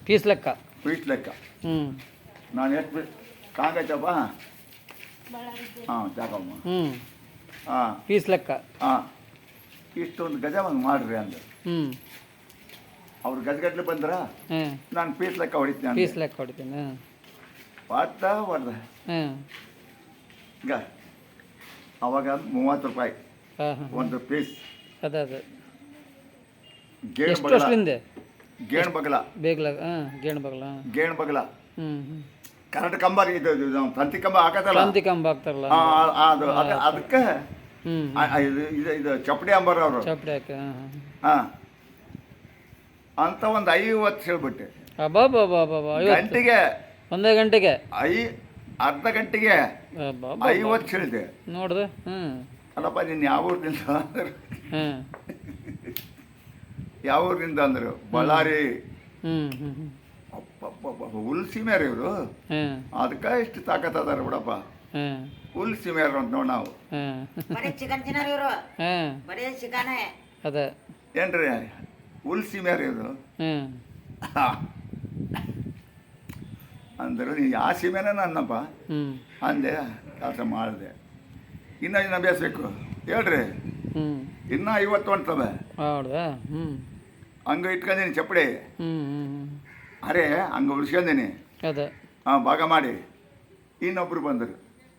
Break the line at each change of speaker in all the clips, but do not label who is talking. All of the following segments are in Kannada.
ಪೀಸ್ ಲೆಕ್ಕ.
ಪೀಸ್ ಲೆಕ್ಕ.
ಹ್ಞೂ
ನಾನು ಎಷ್ಟು ಕಾಂಗಚ್ಚಪ್ಪ. ಹಾಂ ಜಾಕಮ್ಮ.
ಹ್ಞೂ
ಹಾಂ
ಪೀಸ್ ಲೆಕ್ಕ.
ಹಾಂ ಇಷ್ಟೊಂದು ಗಜ ಒಂದು ಮಾಡಿರಿ ಅಂದರು.
ಹ್ಞೂ
ಅವ್ರು ಗಜಗಟ್ಲೆ ಬಂದ್ರ
ಹಾಂ
ನಾನು ಪೀಸ್ ಲೆಕ್ಕ ಹೊಡಿತೀನಿ.
ಪೀಸ್ ಲೆಕ್ಕ ಹೊಡಿತೀನಿ. ಹಾಂ
ಹೊಡ್ದ
ಹಾಂ
ಈಗ ಅವಾಗ 30 ರೂಪಾಯಿ
ಹಾಂ ಹಾಂ
ಒಂದು ಪೀಸ್.
ಅದೇ ಅದೇ
ಗೇಣು
ಎಷ್ಟು
ಬಗಲ.
ವರ್ಷದಿಂದ
ಗೇಣು ಬಗಲ.
ಬೇಗಲ ಹಾಂ ಗೇಣು ಬಗಲ.
ಗೇಣು ಬಗಲ.
ಹ್ಞೂ ಹ್ಞೂ
ಕರೆಂಟ್ ಕಂಬ ಇದು ನಾವು ತಂತಿ ಕಂಬ ಹಾಕತ್ತಲ್ಲ.
ಕ್ರಾಂತಿ ಕಂಬ ಆಗ್ತಾರಲ್ಲ.
ಅದಕ್ಕೆ
ಹ್ಞೂ
ಇದು ಚಪ್ಪಡಿ ಅಂಬರ್ ಅವರು.
ಚಪ್ಪಡಿ ಹಾಕಿ. ಹಾಂ ಹಾಂ
ಹಾಂ ಅಂತ ಒಂದು 50 ಹೇಳ್ಬಿಟ್ಟೆ.
ಅಬ್ಬಾ ಬಾ ಬಾ ಬಾ ಬಾ
ಗಂಟೆಗೆ
ಒಂದೇ ಗಂಟೆಗೆ
ಅರ್ಧ ಗಂಟೆಗೆ 50 ಹೇಳಿದೆ.
ನೋಡ್ದೆ. ಹ್ಞೂ
ಅಲ್ಲಪ್ಪ ನೀನು ಯಾವ ಊರಿನಿಂದ ಅಂದರು.
ಹಾಂ
ಯಾವ ಊರಿನಿಂದ ಅಂದರು. ಬಳ್ಳಾರಿ.
ಹ್ಞೂ ಹ್ಞೂ ಹ್ಞೂ
ಅಪ್ಪಪ್ಪ ಹುಲ್ ಸೀಮೆಯರು ಇವರು.
ಹಾಂ
ಅದಕ್ಕೆ ಇಷ್ಟು ತಾಕತ್ ಅದಾರ ಬಿಡಪ್ಪ.
ಹಾಂ
ಹುಲ್ ಸೀಮೆಯರು ಅಂತ ನೋಡಿ ನಾವು.
ಹಾಂ
ಬರೀ ಚಿಕನ್ ತಿನ್ನೋರು ಇವರು.
ಹಾಂ
ಬರೀ ಚಿಕನೇ.
ಅದೇ
ಏನ್ರಿ ಹುಲ್ ಸೀಮೆಯರು ಇವರು
ಹಾಂ
ಅಂದರು. ನೀ ಆ ಸೀಮೆನ ನನ್ನಪ್ಪ
ಹ್ಞೂ
ಅಂದೆ. ಕೆಲಸ ಮಾಡಿದೆ. ಇನ್ನೂ ಬೇಯಿಸ್ಬೇಕು ಹೇಳ್ರಿ.
ಹ್ಞೂ
ಇನ್ನೂ 50 ಹೊಂಟ್ತವೆ.
ಹೌದಾ. ಹ್ಞೂ
ಹಂಗೆ ಇಟ್ಕೊಂಡೀನಿ ಚಪ್ಪಡಿ.
ಹ್ಞೂ ಹ್ಞೂ
ಅರೆ ಹಂಗೆ ಉಳಿಸ್ಕೊಂಡೀನಿ.
ಅದೇ
ಹಾಂ ಭಾಗ ಮಾಡಿ. ಇನ್ನೊಬ್ಬರು ಬಂದರು.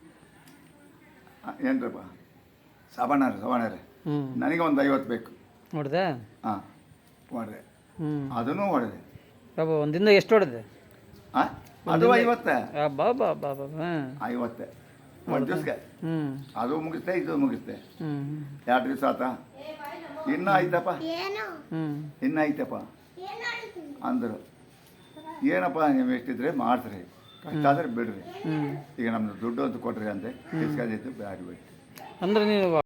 ಏನ್ರಪ್ಪ ಸವಣರೇ
ಹ್ಞೂ
ನನಗೆ ಒಂದು 50 ಬೇಕು.
ನೋಡ್ದೆ.
ಹಾಂ ಹೊಡೆದೆ.
ಹ್ಞೂ
ಅದನ್ನೂ ಹೊಡೆದೆ.
ಬಾಬಾ ಒಂದಿಂದ ಎಷ್ಟು ಹೊಡೆದೆ?
ಹಾಂ ಅದು 50.
ಬಾ ಬಾ ಬಾ ಬಾ ಹಾಂ
50 ಒಂದು ದಿವ್ಸಕ್ಕೆ.
ಹ್ಞೂ
ಅದು ಮುಗಿಸ್ತೆ ಇದು ಮುಗಿಸ್ತೆ.
ಹ್ಞೂ
2 ದಿವಸ ಆತ. ಇನ್ನೂ ಐತಪ್ಪ
ಹ್ಞೂ
ಇನ್ನೂ ಐತಪ್ಪ ಅಂದರು. ಏನಪ್ಪ ನೀವು ಎಷ್ಟಿದ್ರೆ ಮಾಡ್ತೀರಿ, ಕಷ್ಟ ಆದರೆ ಬಿಡ್ರಿ.
ಹ್ಞೂ
ಈಗ ನಮ್ಮದು ದುಡ್ಡು ಅಂತ ಕೊಟ್ರಿ ಅಂತೆ. ಇಸ್ಕೊಂಡಿದ್ದು ಬ್ಯಾಡ ಬಿಟ್ಟು.
ಅಂದ್ರೆ ನೀವು